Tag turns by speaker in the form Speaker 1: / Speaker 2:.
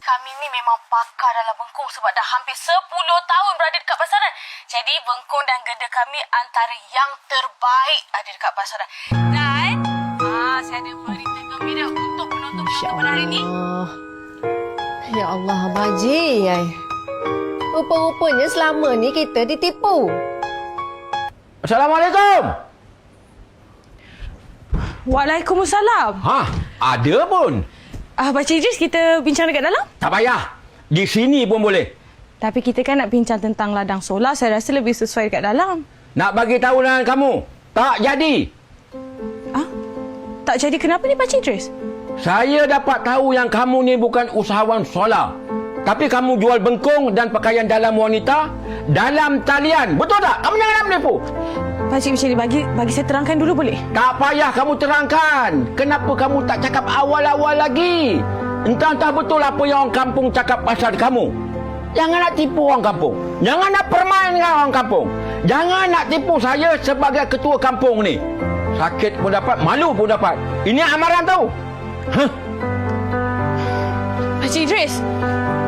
Speaker 1: Kami ni memang pakar dalam bengkung sebab dah hampir 10 tahun berada dekat pasaran. Jadi bengkung dan geda kami antara yang terbaik ada dekat pasaran. Dan saya ada berita gembira untuk penonton-penonton pada hari ini.
Speaker 2: Ya Allah, Baji. Rupa-rupanya selama ni kita ditipu.
Speaker 3: Assalamualaikum.
Speaker 4: Waalaikumsalam.
Speaker 3: Ada pun.
Speaker 4: Pakcik Idris, kita bincang dekat dalam?
Speaker 3: Tak payah. Di sini pun boleh.
Speaker 4: Tapi kita kan nak bincang tentang ladang solar. Saya rasa lebih sesuai dekat dalam.
Speaker 3: Nak bagi tahu dengan kamu, tak jadi.
Speaker 4: Tak jadi kenapa ni Pakcik Idris?
Speaker 3: Saya dapat tahu yang kamu ni bukan usahawan solar. Tapi kamu jual bengkung dan pakaian dalam wanita dalam talian. Betul tak? Kamu jangan nak menipu.
Speaker 4: Pakcik macam ni, bagi saya terangkan dulu boleh?
Speaker 3: Tak payah kamu terangkan. Kenapa kamu tak cakap awal-awal lagi? Entah-entah betul apa yang orang kampung cakap pasal kamu. Jangan nak tipu orang kampung. Jangan nak permain dengan orang kampung. Jangan nak tipu saya sebagai ketua kampung ni. Sakit pun dapat, malu pun dapat. Ini amaran tahu.
Speaker 4: Pakcik Idris,